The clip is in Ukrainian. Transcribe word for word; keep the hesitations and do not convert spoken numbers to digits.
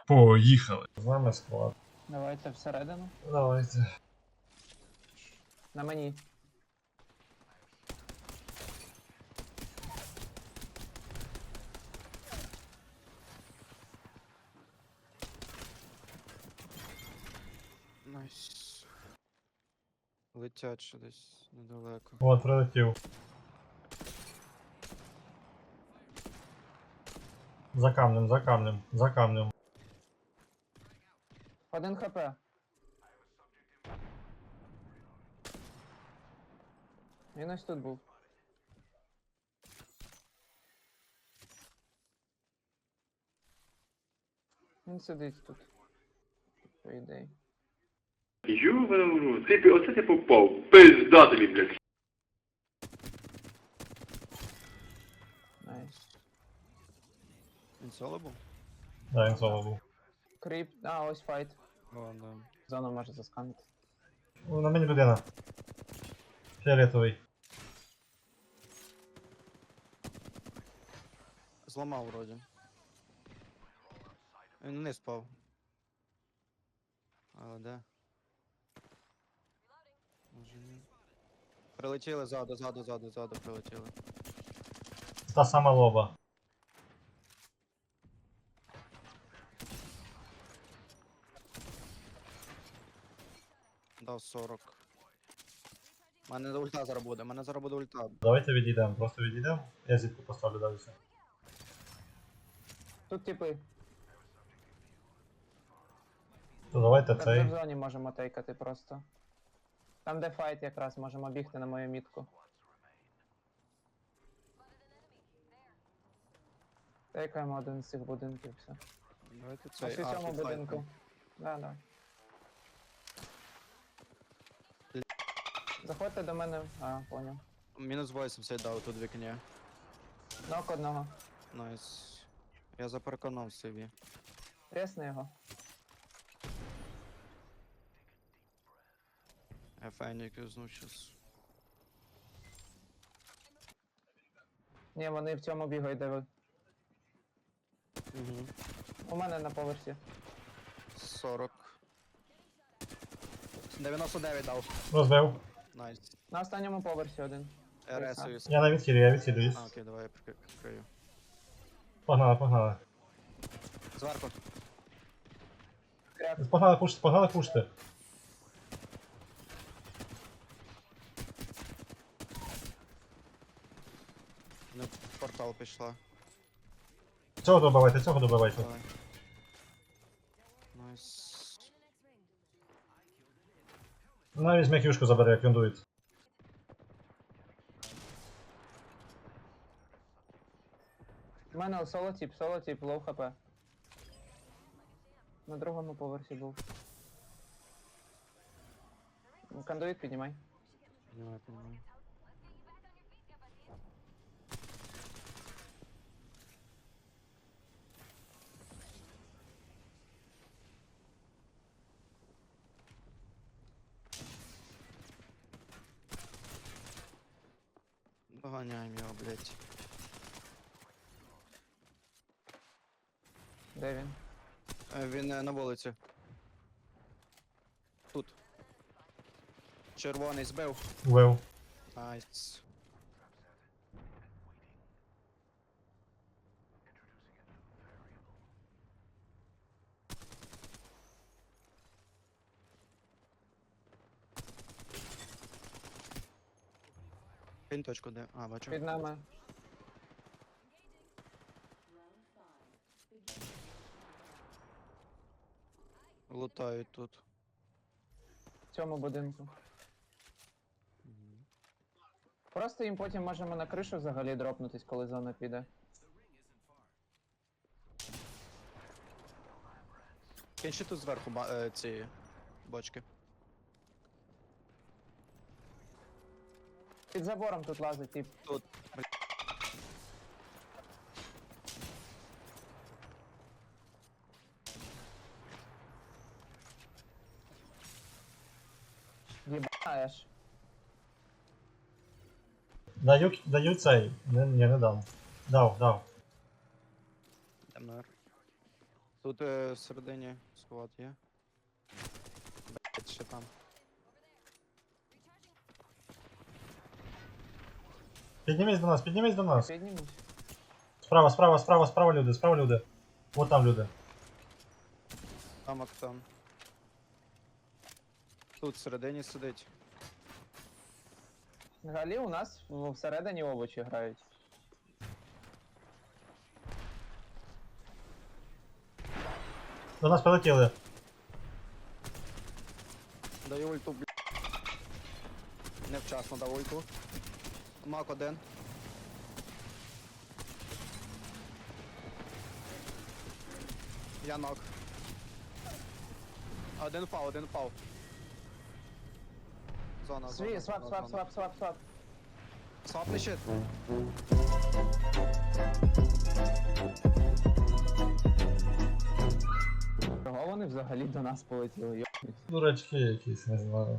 Поїхали. З нами склад. Давайте всередину. Давайте. На мені. Найс. Летять ще десь недалеко. От, прилетів. За камнем, за камнем, за камнем. Один хп. Він ось тут був. Він сидить тут. По ідеї. Ю, ти, оце ти попав. Пизда тобі, блядь. Найс. Він соло був? Да, він соло був. Кріп. А, ось файт. О, да. Зону може засканити. О, на мені людина. Фіолетовий. Зламав вроді. Він не спав. Але де? Може ні. Прилетіли ззаду, ззаду, ззаду, ззаду прилетіли. Та сама лоба. Дав сорок. У мене ульта зараз буде, у мене зараз буде ульта. Давайте відійдемо, просто відійдемо. Я зітку поставлю далі. Тут типи. То давайте Так в цей. зоні можемо тейкати просто. Там де файт якраз можемо бігти на мою мітку. Тейкаємо один з цих будинків, все. Давайте Ось цей. у А, цьому тут файт будинку. був. Да, да. Заходьте до мене. А, поняв. Мінус вісімдесят дав тут вікні. Нок одного. Найс. Я запереконав собі. Тресни його. Я файник юзну щас. Ні, вони в цьому бігають, де ви. Угу. У мене на поверсі. сорок. дев'яносто дев'ять дав. Розбив. Найс. На останньому поверсі один. РС. Я на відхилі, я відхилююсь. А, окей, давай я прикри- прикрию. Погнали, погнали. Зверху. Кряк. Погнали пушити, погнали пушити. Ну, в портал пішла. Цього добивайте, цього добивайте. Давай. Найс. На візьме кюшку забере, як він дується. У мене соло тип, соло тип, лоу хп. На другому поверсі був. Кондуїт піднімай. Понимаю, понимаю. Доганяємо його, блять. Де він? Він е, на вулиці. Тут. Червоний збив. Вбив. Найс. Кинь точку де. А, бачу. Під нами. Лутають тут. В цьому будинку. Просто їм потім можемо на кришу взагалі дропнутись, коли зона піде. Кинь ще тут зверху ба- е, ці бочки. Під забором тут лазить, тип. Тут. Єбаєш. Даю, даю цей. Не, ні, не дам. Дав, дав. МР. Тут е, всередині сховат є. Блять, ще там. Піднімись до нас, піднімись до нас. Піднімусь. Справа, справа, справа, справа люди, справа люди. Вот там люди. Там актон. Тут всередині сидить. Взагалі у нас в- всередині овочі грають. До нас прилетіли. Даю ульту, бля. Невчасно дав ульту. Мак один. Я нок. Один впав, один впав. Зона, зона, Свій, свап, зона, свап, зона. свап, свап, свап. Свапни щит. Чого вони взагалі до нас полетіли? Йо. Дурачки якісь, не знаю.